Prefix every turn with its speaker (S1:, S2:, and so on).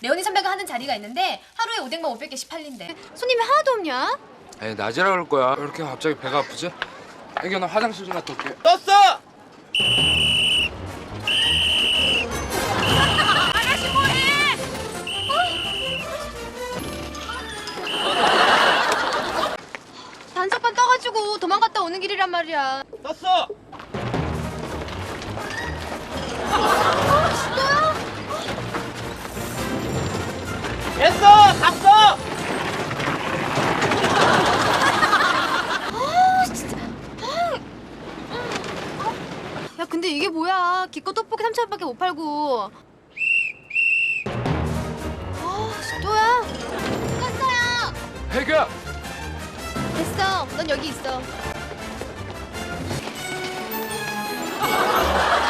S1: 레오니 선배가 하는 자리가 있는데 하루에 오뎅만 500개씩 팔린대.
S2: 손님이 하나도 없냐?
S3: 에이, 낮이라 그럴 거야. 왜 이렇게 갑자기 배가 아프지? 애기 나 화장실 좀 갔다 올게.
S4: 떴어!
S1: 아가씨 뭐해?
S2: 단속반 떠가지고 도망갔다 오는 길이란 말이야.
S4: 떴어! 됐어! 갔어!
S2: 야 근데 이게 뭐야? 기껏 떡볶이 3,000원밖에 못 팔고. 또야? 껐어요.
S3: 애기야!
S2: 됐어. 넌 여기 있어.